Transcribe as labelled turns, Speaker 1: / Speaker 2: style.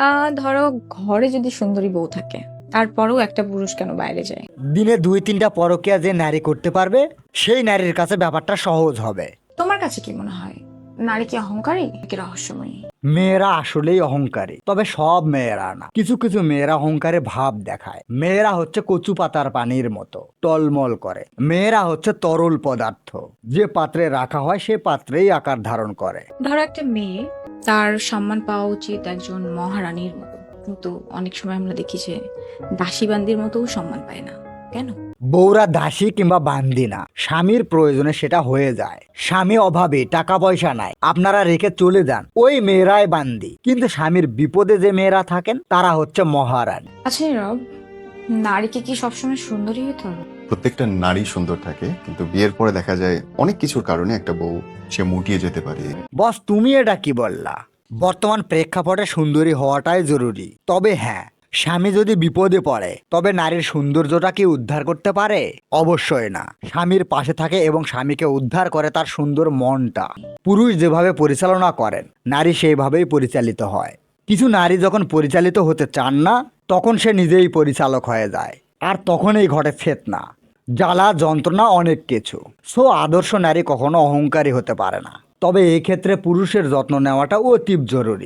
Speaker 1: ধরো ঘরে যদি সুন্দরী বউ থাকে, তারপরেও একটা পুরুষ কেন বাইরে যায়?
Speaker 2: দিনে 2-3টা পরকীয়া যে নারী করতে পারবে সেই নারীর কাছে ব্যাপারটা সহজ হবে।
Speaker 1: তোমার কাছে কি মনে হয়, নারী কি অহংকারী নাকি রহস্যময়ী?
Speaker 2: মেয়েরা আসলেই অহংকারী, তবে সব মেয়েরা না। কিছু কিছু মেয়েরা অহংকারে ভাব দেখায়। মেয়েরা হচ্ছে কচু পাতার পানির মতো টলমল করে। মেয়েরা হচ্ছে তরল পদার্থ, যে পাত্রে রাখা হয় সে পাত্রেই আকার ধারণ করে।
Speaker 1: ধরো একটা মেয়ে, তার সম্মান পাওয়া উচিত একজন মহারানীর মতো, কিন্তু অনেক সময় আমরা দেখি যে দাসী বান্দির মতোও সম্মান পায় না। কেন?
Speaker 2: বউরা দাসী কিংবা বান্দি না, স্বামীর প্রয়োজনে সেটা হয়ে যায়। স্বামী অভাবে টাকা পয়সা নাই, আপনারা রেখে চলে যান, ওই মেয়েরাই বান্দি। কিন্তু স্বামীর বিপদে যে মেয়েরা থাকেন তারা হচ্ছে মহারানী।
Speaker 1: আচ্ছা নীরব, নারীকে কি সবসময় সুন্দরী হতে হবে?
Speaker 3: প্রত্যেকটা নারী সুন্দর থাকে, কিন্তু বিয়ের পরে দেখা যায় অনেক কিছুর কারণে একটা বউ সে মুটিয়ে যেতে পারে।
Speaker 2: বস, তুমি এটা কি বললা? বর্তমান প্রেক্ষাপটে সুন্দরী হওয়াটাই জরুরি। তবে হ্যাঁ, স্বামী যদি বিপদে পড়ে তবে নারীর সৌন্দর্যটা কি উদ্ধার করতে পারে? অবশ্যই না। স্বামীর পাশে থাকে এবং স্বামীকে উদ্ধার করে তার সুন্দর মনটা। পুরুষ যেভাবে পরিচালনা করেন, নারী সেইভাবেই পরিচালিত হয়। কিছু নারী যখন পরিচালিত হতে চান না, তখন সে নিজেই পরিচালক হয়ে যায়, আর তখনই ঘটে ফেতনা, জ্বালা, যন্ত্রণা, অনেক কিছু। সো আদর্শ নারী কখনো অহংকারী হতে পারে না। তবে এই ক্ষেত্রে পুরুষের যত্ন নেওয়াটা অতি জরুরি।